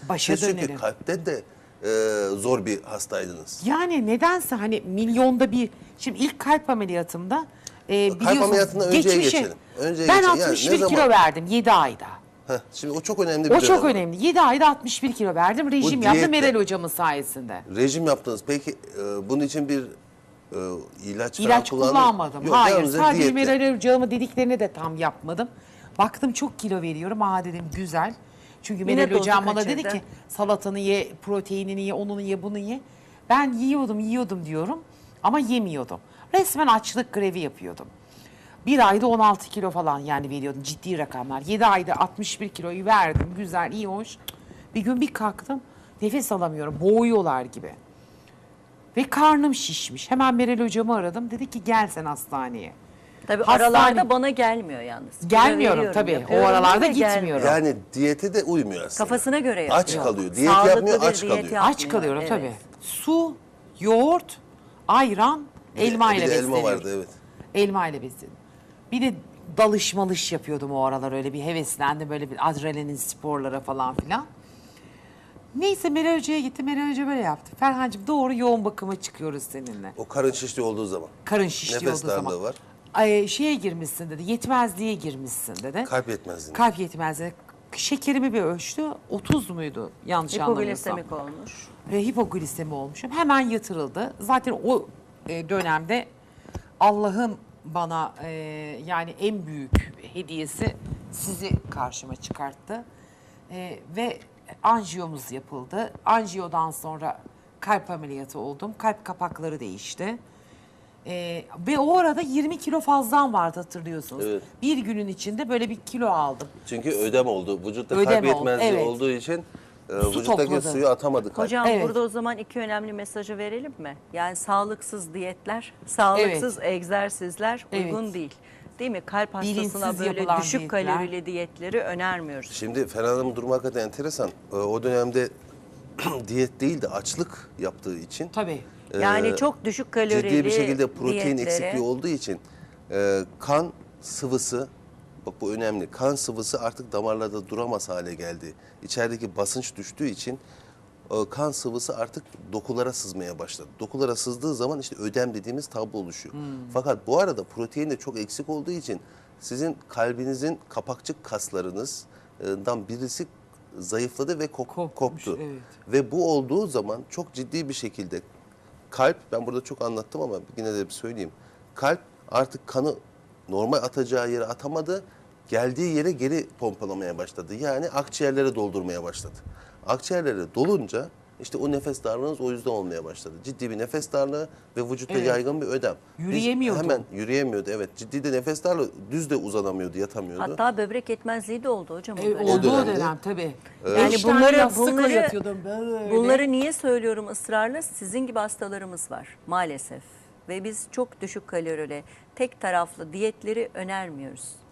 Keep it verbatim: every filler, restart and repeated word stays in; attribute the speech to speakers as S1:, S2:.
S1: Başa
S2: Siz çünkü
S1: dönerim.
S2: kalpte de e, zor bir hastaydınız.
S1: Yani nedense hani milyonda bir, şimdi ilk kalp ameliyatımda e,
S2: Kalp
S1: biliyorsunuz
S2: ameliyatından önceye
S1: geçmişe,
S2: geçelim. Önceye
S1: ben
S2: geçelim. Yani
S1: altmış
S2: ne
S1: bir
S2: zaman?
S1: kilo verdim yedi ayda.
S2: Heh, şimdi o çok önemli bir
S1: O çok
S2: dönem.
S1: önemli. yedi ayda altmış bir kilo verdim. Rejim
S2: diyetle-
S1: yaptım Meral hocamın sayesinde.
S2: Rejim yaptınız. Peki e, bunun için bir e, ilaç falan
S1: İlaç
S2: kullandınız?
S1: kullanmadım.
S2: Yok,
S1: Hayır.
S2: yalnızca
S1: Sadece
S2: diyetle.
S1: Meral hocamın dediklerini de tam yapmadım. Baktım çok kilo veriyorum. Aa dedim güzel. Çünkü
S3: Yine
S1: Meral
S3: dozu
S1: hocam bana dedi
S3: kaçırdı.
S1: ki salatanı ye, proteinini ye, onu ye, bunu ye. Ben yiyordum, yiyordum diyorum ama yemiyordum. Resmen açlık grevi yapıyordum. Bir ayda on altı kilo falan yani veriyordum, ciddi rakamlar. yedi ayda altmış bir kiloyu verdim. Güzel, iyi, hoş. Bir gün bir kalktım, nefes alamıyorum, boğuyorlar gibi. Ve karnım şişmiş. Hemen Meral hocamı aradım. Dedi ki gel sen hastaneye.
S3: Tabii
S1: Hastane-
S3: aralarda bana gelmiyor yalnız. Kilo
S1: Gelmiyorum
S3: veriyorum,
S1: tabii. O
S3: yapıyorum
S1: aralarda
S3: ama
S1: gitmiyorum.
S3: gelmiyor.
S2: Yani diyete de uymuyor aslında.
S3: Kafasına göre yapıyor.
S2: Aç kalıyor. Diyet
S3: Sağlıklı
S2: yapmıyor,
S3: bir
S2: aç
S3: diyet
S2: kalıyor.
S3: yapmıyor.
S1: Aç kalıyorum
S3: Evet.
S1: tabii. Su, yoğurt, ayran, elma
S2: Bir
S1: ile
S2: de elma
S1: besleniyorum.
S2: vardı, evet.
S1: Elma ile besleniyorum. Bir de dalış malış yapıyordum o aralar, öyle bir heveslendim, böyle bir adrenalin sporlara falan filan. Neyse Meral Hoca'ya gitti. Meral Hoca böyle yaptı. Ferhancığım doğru yoğun bakıma çıkıyoruz seninle.
S2: O karın şişliği olduğu zaman.
S1: Karın şişliği
S2: Nefes
S1: olduğu zaman.
S2: darlığı var.
S1: Ay, şeye girmişsin dedi. Yetmezliğe girmişsin dedi.
S2: Kalp yetmezliği.
S1: Kalp yetmezliği. Şekerimi bir ölçtü. otuz muydu yanlış anlamıyorsam.
S3: Hipoglisemik olmuş.
S1: Ve hipoglisemi olmuşum. Hemen yatırıldı. Zaten o e, dönemde Allah'ın bana e, yani en büyük hediyesi sizi karşıma çıkarttı. E, ve anjiyomuz yapıldı. Anjiyodan sonra kalp ameliyatı oldum. Kalp kapakları değişti. E, ve o arada yirmi kilo fazlam vardı, hatırlıyorsunuz.
S2: Evet.
S1: Bir günün içinde böyle bir kilo aldım.
S2: Çünkü ödem oldu. Vücutta
S1: Ödem
S2: kalp
S1: oldu,
S2: yetmezliği
S1: evet.
S2: olduğu için e,
S1: Su
S2: vücuttaki
S1: topladı.
S2: suyu atamadı kalp.
S3: Hocam
S1: Evet.
S3: burada o zaman iki önemli mesajı verelim mi? Yani sağlıksız diyetler, sağlıksız egzersizler uygun
S1: Evet.
S3: değil. Değil mi? Kalp hastasına
S1: Bilinçsiz
S3: böyle
S1: yapılan
S3: düşük
S1: diyetler.
S3: kalorili diyetleri önermiyoruz.
S2: Şimdi Ferhan Hanım'ın durumu hakikaten enteresan. E, o dönemde diyet değil de açlık yaptığı için
S1: Tabii.
S3: Yani
S2: e,
S3: çok düşük kalorili
S2: ciddi bir şekilde protein
S3: diyetlere-
S2: eksikliği olduğu için e, kan sıvısı, bak bu önemli, kan sıvısı artık damarlarda duramaz hale geldi. İçerideki basınç düştüğü için e, kan sıvısı artık dokulara sızmaya başladı. Dokulara sızdığı zaman işte ödem dediğimiz tablo oluşuyor. Fakat bu arada protein de çok eksik olduğu için sizin kalbinizin kapakçık kaslarınızdan birisi zayıfladı ve kop-
S1: Kopmuş,
S2: koptu.
S1: evet.
S2: Ve bu olduğu zaman çok ciddi bir şekilde kalp, ben burada çok anlattım ama yine de bir söyleyeyim. Kalp artık kanı normal atacağı yere atamadı, geldiği yere geri pompalamaya başladı. Yani akciğerlere doldurmaya başladı. Akciğerlere dolunca işte o nefes darlığınız o yüzden olmaya başladı. Ciddi bir nefes darlığı ve vücutta
S1: Evet.
S2: yaygın bir ödem. Biz
S1: Yürüyemiyordu.
S2: Hemen yürüyemiyordu, evet. Ciddi de nefes darlığı, düz de uzanamıyordu, yatamıyordu.
S3: Hatta böbrek yetmezliği de oldu hocam. o
S1: E,
S3: dönem.
S1: olduğu
S2: dönemde-
S1: dönem tabii.
S3: Yani
S1: Beş tane
S3: bunları
S1: yastıkla
S3: bunları
S1: yatıyordum böyle.
S3: bunları niye söylüyorum ısrarla? Sizin gibi hastalarımız var maalesef ve biz çok düşük kalorili, tek taraflı diyetleri önermiyoruz.